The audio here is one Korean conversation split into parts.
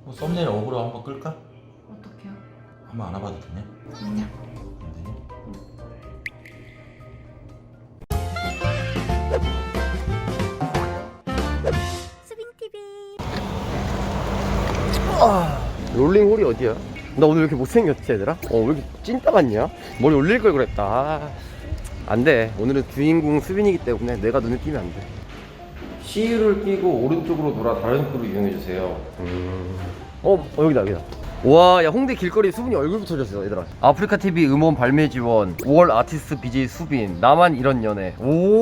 뭐 썸네일 어그로 한번 끌까? 어떡해요? 한번 안아봐도 되냐? 아니야. 안 되냐? 롤링홀이 어디야? 나 오늘 왜 이렇게 못생겼지 얘들아? 왜 이렇게 찐따 같냐? 머리 올릴 걸 그랬다. 안돼, 오늘은 주인공 수빈이기 때문에 내가 눈에 띄면 안돼. C를 끼고 오른쪽으로 돌아 다른 쪽으로 이용해주세요. 여기다. 와, 야, 홍대 길거리 수빈이 얼굴 붙여줬어 얘들아. 아프리카TV 음원 발매 지원 5월 아티스트 BJ 수빈 나만 이런 연애.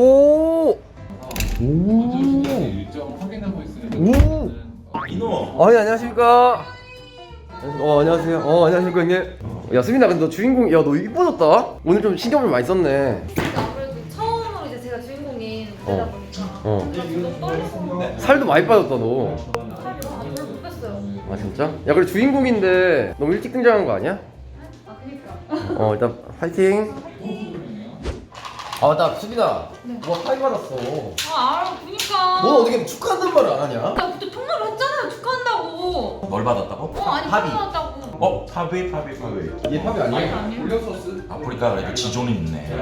일정 확인하고 있으니까. 이놈! 안녕하십니까. 안녕하세요. 안녕하십니까 형님. 야 수빈아, 근데 너 주인공, 야 너 이뻐졌다. 오늘 좀 신경을 많이 썼네. 아무래도 처음으로 이제 제가 주인공인 무대다 보니까 제가 너무 떨려서 살도 많이 빠졌다 너. 살이 별로 못 뺐어요. 아 진짜? 야 그래 주인공인데 너무 일찍 등장한 거 아니야? 아 그니까. 일단 파이팅. 나 수빈아, 네. 뭐 파이 받았어. 알아 그니까. 너 어떻게 축하한다는 말을 안 하냐? 나 그때 통화를 했잖아요. 축하한다고. 뭘 받았다고? 아니 합의. 축하한다고. 파비. 얘 팝이 아니야? 아니에요? 올렸었어. 아프리카 그래도 지존이 있네.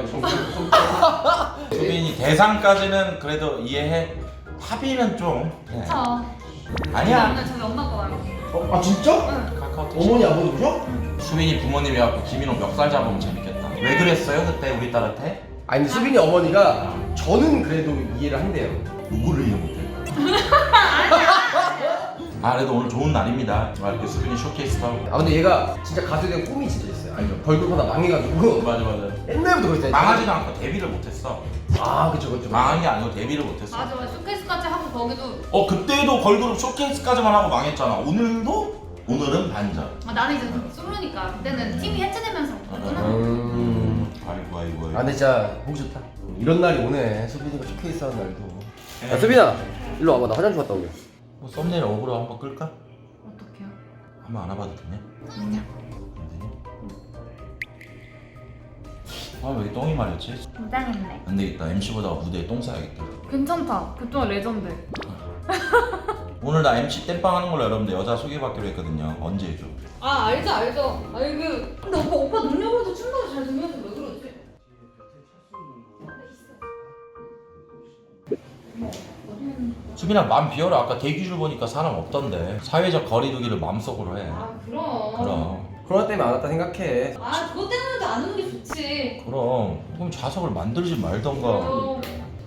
수빈이 대상까지는 그래도 이해해. 파비는 좀 자. 아니야. 오늘 저희 엄마가 와요. 아 진짜? 응. 카카오톡 어머니 아버지 오셔? 수빈이 부모님이 와서 김인호 멱살 잡으면 재밌겠다. 왜 그랬어요 그때 우리 딸한테? 아니 근데 수빈이 어머니가 저는 그래도 이해를 한대요. 누구를 이해 못해? 그래도 오늘 좋은 날입니다. 이렇게 수빈이 쇼케이스 하고. 근데 얘가 진짜 가수에 대한 꿈이 진짜 있어요. 알죠? 벌금 하다 망해가지고 맞아. 옛날부터 그랬어요. 망하지도 않고 데뷔를 못했어. 그쵸. 망한 게 아니고 데뷔를 못했어. 맞아. 쇼케이스까지 하고 거기도. 그때도 걸그룹 쇼케이스까지만 하고 망했잖아. 오늘은 반전. 나는 이제 솔로니까 그때는 팀이 해체되면서 그랬구나. 아이고. 근데 진짜 보기 좋다. 이런 날이 오네. 수빈이가 쇼케이스 하는 날도. 야 수빈아, 일로 와봐. 나 화장실 갔다 오게. 뭐 썸네일 어그로 한번 끌까? 어떡해요? 한번 안아봐도 되냐? 아니야. 안 되냐? 왜 이렇게 똥이 마렸지? 긴장했네. 안 되겠다. MC보다 무대에 똥 싸야겠다. 괜찮다. 그동안 레전드. 오늘 나 MC 땜빵 하는 걸로 여러분들 여자 소개받기로 했거든요. 언제 해줘? 알죠. 근데 오빠 능력으로도 춤도 잘 되면서 왜 그러지? 수빈아 맘 비워라. 아까 대기줄 보니까 사람 없던데. 사회적 거리두기를 마음속으로 해. 그럼 코로나 때문에 안 왔다 생각해. 그것 때문에도 안 오는 게 좋지. 그럼 자석을 만들지 말던가.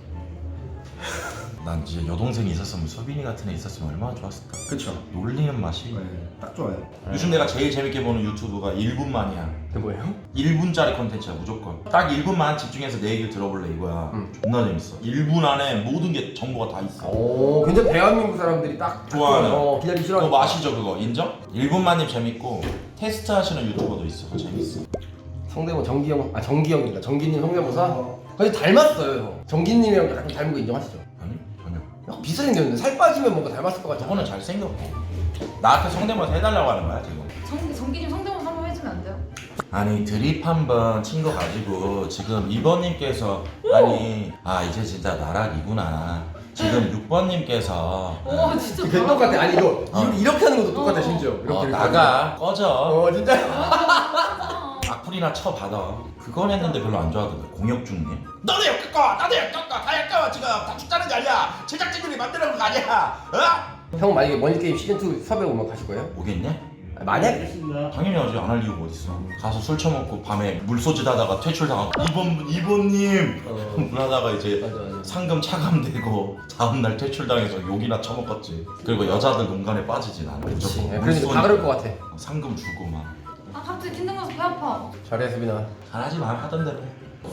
난 이제 여동생이 있었으면 수빈이 같은 애 있었으면 얼마나 좋았을까. 그쵸. 놀리는 맛이. 딱 좋아요. 요즘 내가 제일 재밌게 보는 유튜브가 1분만이야. 그 뭐예요? 1분짜리 컨텐츠야 무조건. 딱 1분만 집중해서 내 얘기를 들어볼래 이거야. 존나 재밌어. 1분 안에 모든 게 정보가 다 있어. 굉장히 대한민국 사람들이 딱 좋아하는. 기다리기 그거 싫어하니까. 아시죠 그거? 인정? 1분만님 재밌고 테스트 하시는 유튜버도 있어. 그거 재밌어. 성대모 정기형입니다. 정기님 성대모사. 근데 닮았어요. 정기님이랑 약간 닮은 거 인정하시죠? 아니? 전혀. 약간 비슷하게 생겼는데 살 빠지면 뭔가 닮았을 것 같지 않아요? 저거는 잘생겼고 나한테 성대모사 해달라고 하는 거야 지금. 정기님 성대모사 한번 해주면 안 돼요? 아니 드립 한번 친 거 가지고 지금 2번님께서 이제 진짜 나락이구나. 지금 6번님께서 진짜 되게 똑같아. 아니 이거 이렇게 하는 것도 똑같아 심지어. 이렇게 나가 꺼져. 진짜. 악플이나 쳐받아. 그건 했는데 별로 안 좋아하던데. 공혁준님 너도 역겹고 나도 역겹고 다 역겨워. 지금 다 죽자는 게 아니야. 제작진들이 만들어놓은 거 아니야. 형 만약에 머니게임 시즌2 섭외 오면 가실 거예요? 오겠냐? 만약에? 당연히 하지. 안 할 이유가 어딨어. 가서 술 처먹고 밤에 물소짓 하다가 퇴출당하고 이번님 하다가 이제 맞아. 상금 차감되고 다음날 퇴출당해서 욕이나 처먹었지. 그리고 여자들 농간에 빠지지 나는. 그렇지. 무조건 그러니까 다 그럴 것 같아. 상금 주고 막. 갑자기 긴장해서 배 아파. 잘해 수빈아. 잘하지 마. 하던 대로 해.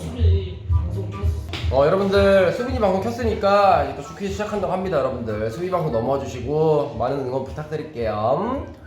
여러분들 수빈이 방송 켰으니까 이제 또 슈퀴즈 시작한다고 합니다. 여러분들 수빈이 방송 넘어와 주시고 많은 응원 부탁드릴게요.